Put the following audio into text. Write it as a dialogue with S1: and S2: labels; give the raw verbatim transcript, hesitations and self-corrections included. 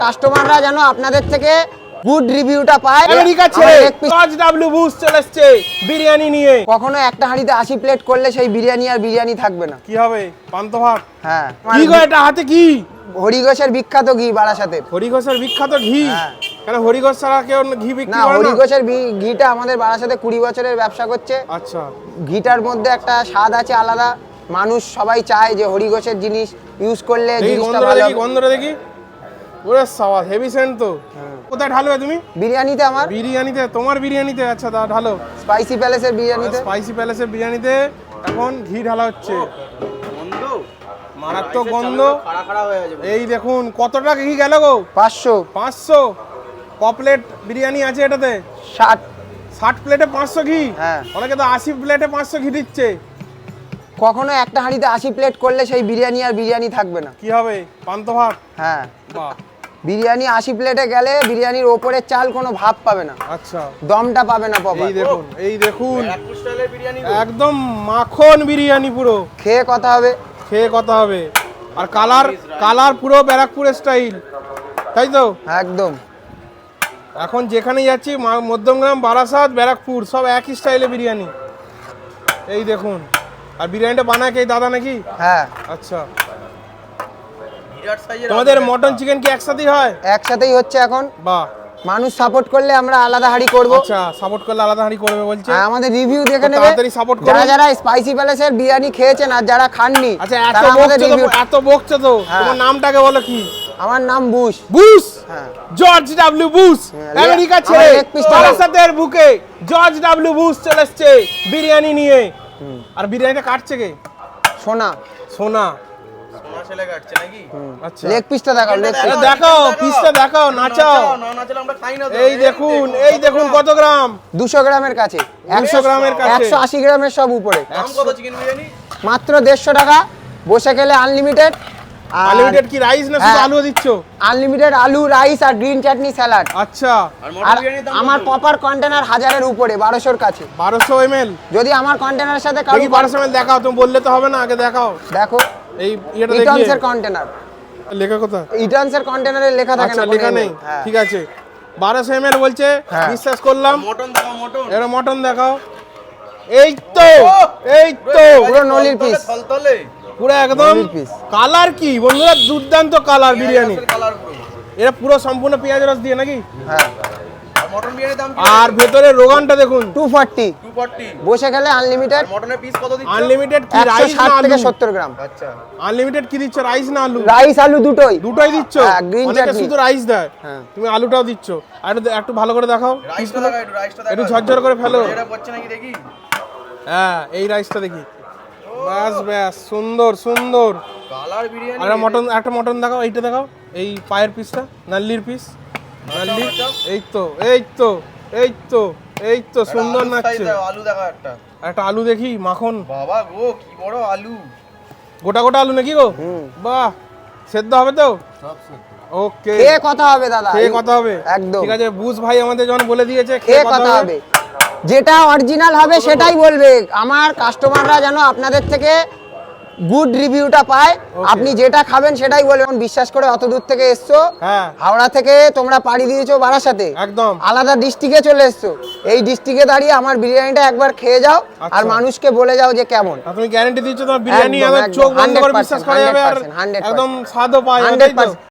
S1: কাস্টমাররা যেন আপনাদের থেকে গুড রিভিউটা পায়।
S2: আমেরিকা ছেড়ে জর্জ ডব্লিউ বুশ চলে এসেছে বিরিয়ানি নিয়ে।
S1: কখনো একটা হাঁড়িতে আশি প্লেট করলে সেই বিরিয়ানি আর বিরিয়ানি থাকবে না।
S2: কি হবে? পান্ত ভাত।
S1: হ্যাঁ,
S2: কি গো এটা হাতে কি?
S1: হরিঘোষের বিখ্যাত ঘি বারাসাতের।
S2: হরিঘোষের বিখ্যাত ঘি?
S1: হ্যাঁ।
S2: কেন হরিঘোষ ছাড়া কেউ ঘি বিক্রি
S1: না,
S2: করে না?
S1: হরিঘোষের ঘিটা আমাদের বারাসাতে কুড়ি বছরের ব্যবসা করছে।
S2: আচ্ছা।
S1: ঘিটার মধ্যে একটা স্বাদ আছে আলাদা, মানুষ সবাই চায় যে হরিঘোষের জিনিস ইউজ করলে জিনিসটা ভালো হবে।
S2: গন্ধটা দেখি। ওরে সাবাস, হেভি সেন্ট তো। কোথায় ঢালবে তুমি?
S1: বিরিয়ানিতে। আমার
S2: বিরিয়ানিতে? তোমার বিরিয়ানিতে? আচ্ছা তা ঢালো।
S1: স্পাইসি প্যালেসের বিরিয়ানিতে।
S2: স্পাইসি প্যালেসের বিরিয়ানিতে এখন ঘি ঢালা হচ্ছে। গন্ধ মারাত্মক গন্ধ। এই দেখুন কতটা ঘি গেল গো?
S1: পাঁচশো।
S2: পাঁচশো ক প্লেট বিরিয়ানি আছে এটাতে?
S1: ষাট।
S2: ষাট প্লেটে পাঁচশো ঘি?
S1: হ্যাঁ।
S2: অনেকে তো আশি প্লেটে পাঁচশো ঘি দিচ্ছে।
S1: কখনো একটা হাঁড়িতে আশি প্লেট করলে সেই বিরিয়ানি আর বিরিয়ানি থাকবে না।
S2: কি হবে? পান্ত ভাত।
S1: হ্যাঁ,
S2: বাহ।
S1: বিরিয়ানি আশি প্লেটে গেলে বিরিয়ানির ওপরের চাল কোনো ভাব পাবে না।
S2: আচ্ছা,
S1: দমটা পাবে না পাবে।
S2: এই দেখুন, এই দেখুন একদম মাখন বিরিয়ানি পুরো।
S1: খেয়ে কথা হবে।
S2: খেয়ে কথা হবে। আর কালার কালার পুরো ব্যারাকপুর স্টাইল, তাই তো?
S1: একদম।
S2: এখন যেখানে যাচ্ছি মধ্যমগ্রাম, বারাসাত, ব্যারাকপুর সব একই স্টাইলে বিরিয়ানি। এই দেখুন। আর বিরিয়ানিটা বানায় কে? দাদা নাকি?
S1: হ্যাঁ।
S2: আচ্ছা। তোমাদের মটন চিকেন কি একসাথেই হয়?
S1: একসাথেই হচ্ছে এখন।
S2: বাহ।
S1: মানুষ সাপোর্ট করলে আমরা আলাদা হাঁড়ি করব।
S2: আচ্ছা, সাপোর্ট করলে আলাদা হাঁড়ি করবে বলছে।
S1: আর আমাদের রিভিউ দেখে নেবে।
S2: তাড়াতাড়ি সাপোর্ট করুন।
S1: যারা যারা স্পাইসি প্যালেসের বিরিয়ানি খেয়েছেন আর যারা খাননি,
S2: আচ্ছা, এত
S1: তারা আমাদের
S2: বকছো তো,
S1: রিভিউ।
S2: এত বকছো তো,
S1: হ্যাঁ।
S2: তোমার নামটাকে বলো কি?
S1: আমার নাম বুশ।
S2: বুশ?
S1: হ্যাঁ।
S2: George W Bush.
S1: হ্যাঁ,
S2: আমেরিকা
S1: আমার
S2: ছেড়ে
S1: leg piece টা
S2: বারাসাতের বুকে জর্জ ডব্লিউ বুশ চলে এসেছে বিরিয়ানি নিয়ে। আর বিরিয়ানিটা কাটছে কে?
S1: সোনা।
S2: সোনা।
S3: সোনা ছেলে কাটছে নাকি?
S2: আচ্ছা,
S1: লেগ পিসটা দেখাও। লেগ পিস
S2: দেখাও, পিসটা দেখাও, নাচাও।
S3: না নাচলে আমরা খাই না তো।
S2: এই দেখুন, এই দেখুন কত গ্রাম?
S1: দুশো গ্রামের কাছে।
S2: দুশো গ্রামের কাছে।
S1: একশো আশি গ্রামের সব উপরে।
S3: দাম কত চিকেন বিরিয়ানি?
S1: মাত্র দেড়শো টাকা। বসে খেলে আনলিমিটেড।
S2: আনলিমিটেড কি রাইস না শুধু আলু দিচ্ছ?
S1: আনলিমিটেড আলু, রাইস আর গ্রিন চাটনি, স্যালাড।
S2: আচ্ছা।
S3: আর
S1: আর
S3: মটন বিরিয়ানির দাম
S1: আমার
S3: কত?
S1: প্রপার কন্টেনার হাজারের উপরে, বারোশোর কাছে।
S2: বারোশো এমএল?
S1: যদি আমার কন্টেনারের সাথে কারো
S2: দেখি বারোশো এমএল দেখাও। তুমি বললে তো হবে না, আগে দেখাও।
S1: দেখো,
S2: এই এটা দেখি।
S1: ইটনসের কন্টেনার।
S2: লেখা কোথায়?
S1: ইটনসের কন্টেনারে লেখা থাকে
S2: আচ্ছা,
S1: না,
S2: লেখা নেই।
S1: হ্যাঁ।
S2: ঠিক আছে, বারোশো এমএল বলছে।
S1: হ্যাঁ।
S2: বিশ্বাস করলাম।
S3: মটন দাও মটন।
S2: এর মটন দেখাও। এই তো, এই তো
S1: পুরো নলির পিস।
S3: থলথলে
S2: পুরো একদম
S1: নলির piece।
S2: কালার কি বন্ধুরা, দুর্দান্ত কালার বিরিয়ানি।
S3: কালার পুরো।
S2: এটা পুরো সম্পূর্ণ পেঁয়াজ রস দিয়ে নাকি?
S1: হ্যাঁ।
S3: আর মটন বিরিয়ানির দাম কি?
S2: আর ভেতরে রোগানটা দেখুন।
S1: Two forty.
S3: দুশো চল্লিশ।
S1: বসে খেলে আনলিমিটেড।
S3: মটনের পিস কত দিচ্ছ?
S2: আনলিমিটেড কি
S1: একশো
S2: রাইস
S1: ষাট
S2: না আলু?
S1: থেকে সত্তর গ্রাম।
S3: আচ্ছা।
S2: আনলিমিটেড কি দিচ্ছ, রাইস না আলু?
S1: রাইস আলু দুটোই।
S2: দুটোই দিচ্ছ?
S1: হ্যাঁ, green
S2: অনেকে
S1: chutney।
S2: শুধু রাইস দেয়,
S1: হ্যাঁ।
S2: তুমি আলুটাও দিচ্ছ। আর একটু- একটু ভালো করে দেখাও।
S3: রাইসটা দেখা একটু রাইসটা দেখা।
S2: একটু ঝরঝর করে ফেলো।
S3: এটা পড়ছে নাকি দেখি?
S2: হ্যাঁ, এই রাইসটা দেখি। ব্যাস ব্যাস, সুন্দর সুন্দর।
S3: কালার বিরিয়ানি।
S2: আর মটন, একটা মটন দেখাও, এইটা দেখাও। এই পায়ের পিসটা, নাল্লির পিস। নাল্লি। এই তো, এই তো, এই তো, এই তো সুন্দর নাচছে।
S3: আলু দেখা একটা।
S2: একটা আলু দেখি, মাখন।
S3: বাবা গো কি বড় আলু।
S2: গোটা গোটা আলু নাকি গো? বাহ, সেদ্ধ হবে তো? ওকে,
S1: খেয়ে কথা হবে দাদা।
S2: খেয়ে কথা হবে।
S1: একদম।
S2: ঠিক আছে, বুঝ ভাই আমাদের যখন বলে দিয়েছে
S1: খেয়ে কথা হবে। যেটা অরিজিনাল হবে সেটাই বলবে। আমার কাস্টমাররা যেন আপনাদের থেকে গুড রিভিউটা পায়। আপনি যেটা খাবেন সেটাই বলবেন। বিশ্বাস করে অত দূর থেকে এসছো,
S2: হ্যাঁ,
S1: হাওড়া থেকে তোমরা পাড়ি দিয়েছো বারাসাতে,
S2: একদম
S1: আলাদা ডিস্ট্রিক্টে চলে এসছো। এই ডিস্ট্রিক্টে দাঁড়িয়ে আমার বিরিয়ানিটা একবার খেয়ে যাও আর
S2: আচ্ছা।
S1: মানুষকে বলে যাও যে কেমন।
S2: আর তুমি গ্যারান্টি দিচ্ছ তোমার বিরিয়ানি
S1: একদম,
S2: একদম
S1: একদম,
S2: চোখ বন্ধ করে
S1: একশো
S2: বিশ্বাস করা যাবে আর
S1: একশো, একশো।
S2: একদম স্বাদও পাওয়া যাবে,
S1: হান্ড্রেড
S2: তাই তো?
S1: পার্সেন্ট